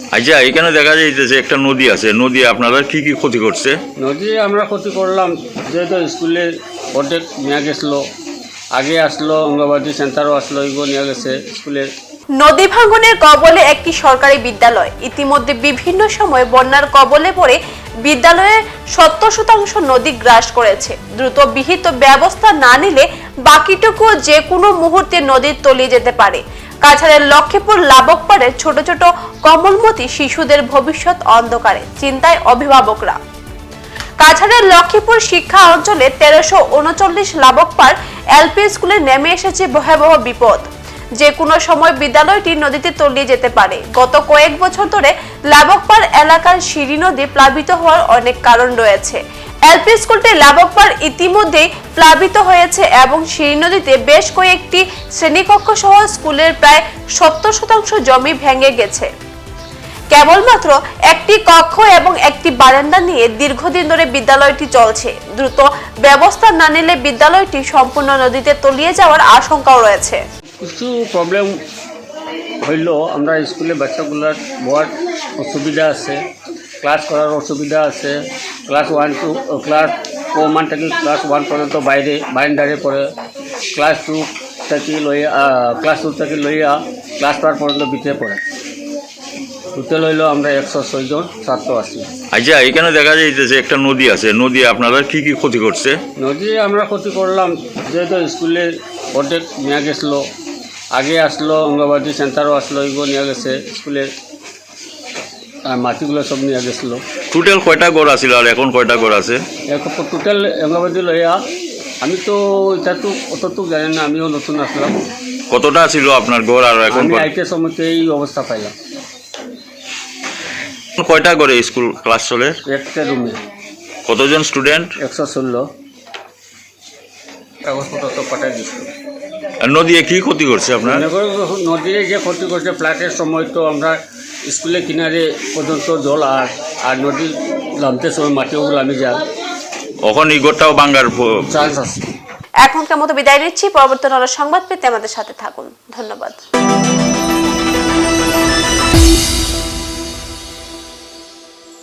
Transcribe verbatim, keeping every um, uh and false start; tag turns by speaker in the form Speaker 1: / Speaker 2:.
Speaker 1: আচ্ছা, এখানে দেখা যাইতেছে একটা নদী আছে, নদী আপনারা কি কি ক্ষতি করছে?
Speaker 2: নদী আমরা ক্ষতি করলাম, যেহেতু স্কুলে অর্ধেক নিয়ে গেছিলো, আগে আসলো অঙ্গনবাদী সেন্টারও আসলো, এগুলো নিয়ে গেছে স্কুলে।
Speaker 3: নদী ভাঙনের কবলে একটি সরকারি বিদ্যালয়। ইতিমধ্যে বিভিন্ন সময় বন্যার কবলে পড়ে বিদ্যালয়ের সত্তর শতাংশ নদী গ্রাস করেছে। দ্রুত বিহিত ব্যবস্থা না নিলে বাকিটুকু যে কোনো মুহূর্তে নদীর তলিয়ে যেতে পারে। কাছাড়ের লক্ষ্মীপুর লাবকপাড়ের ছোট ছোট কমলমতি শিশুদের ভবিষ্যৎ অন্ধকারে, চিন্তায় অভিভাবকরা। কাছাড়ের লক্ষ্মীপুর শিক্ষা অঞ্চলে তেরোশো উনচল্লিশ লাবকপাড় এলপি স্কুলে নেমে এসেছে ভয়াবহ বিপদ। যে কোনো সময় বিদ্যালয়টি নদীতে তলিয়ে যেতে পারে। গত কয়েক বছর ধরে লাবকপাড় এলাকার সিঁড়ি নদী প্লাবিত হওয়ার অনেক কারণ রয়েছে। এলপি স্কুলটি লাবকপাড় ইতিমধ্যেই প্লাবিত হয়েছে এবং সিঁড়ি নদীতে বেশ কয়েকটি শ্রেণীকক্ষ সহ স্কুলের প্রায় সত্তর শতাংশ জমি ভেঙে গেছে। কেবলমাত্র একটি কক্ষ এবং একটি বারান্দা নিয়ে দীর্ঘদিন ধরে বিদ্যালয়টি চলছে। দ্রুত ব্যবস্থা না নিলে বিদ্যালয়টি সম্পূর্ণ নদীতে তলিয়ে যাওয়ার আশঙ্কাও রয়েছে।
Speaker 2: কিছু প্রবলেম হইল, আমরা স্কুলে বাচ্চাগুলোর বড় অসুবিধা আছে, ক্লাস করার অসুবিধা আছে। Class one two class one থেকে ক্লাস ওয়ান পর্যন্ত বাইরে বাইন্ডারে পড়ে, ক্লাস টু থেকে লইয়া ক্লাস টু থেকে লইয়া ক্লাস ফোর পর্যন্ত ভিতরে পড়ে। টোটাল হইল আমরা একশো ছয় জন ছাত্র আছি।
Speaker 1: আচ্ছা, এখানে দেখা যাইতেছে একটা নদী আছে, নদী আপনারা কি কি ক্ষতি করছে?
Speaker 2: নদী আমরা ক্ষতি করলাম, যেহেতু স্কুলে অর্ধেক নিয়ে গেছিলো, আগে আসলো অঙ্গনবাদী সেন্টারও আসলো, এগুলো নিয়ে গেছে স্কুলে, মাটিগুলো সব নিয়ে গেছিলো।
Speaker 1: টোটাল কয়টা ঘর আছিল আর এখন কয়টা ঘর আছে?
Speaker 2: এখন টোটাল অঙ্গনবাদী লইয়া আমি তো এটা তো অতটুকু জানি না, আমিও নতুন আসলাম।
Speaker 1: কতটা ছিল আপনার ঘর আর এখন?
Speaker 2: আমি আইতে সময়তে এই অবস্থা পাইলাম।
Speaker 1: কয়টা ঘরে স্কুল ক্লাস চলে?
Speaker 2: একটা রুমে।
Speaker 1: কতজন স্টুডেন্ট?
Speaker 2: একশো ষোলো। কাগজপত্র তো পাঠাই দিচ্ছিল।
Speaker 1: নদী কি ক্ষতি করছে আপনার?
Speaker 2: নদীরে যে ক্ষতি করছে, ফ্লাটের সময় তো আমরা স্কুলের কিনারে পর্যন্ত জল, আর আর নদী নামতে সময় মাটিও নামে যায়।
Speaker 1: এখন এই ঘরটাও ভাঙার
Speaker 3: চান্স আছে। এখনকার মতো বিদায় নিচ্ছি। পরবর্তী সংবাদ পেতে আমাদের সাথে থাকুন। ধন্যবাদ।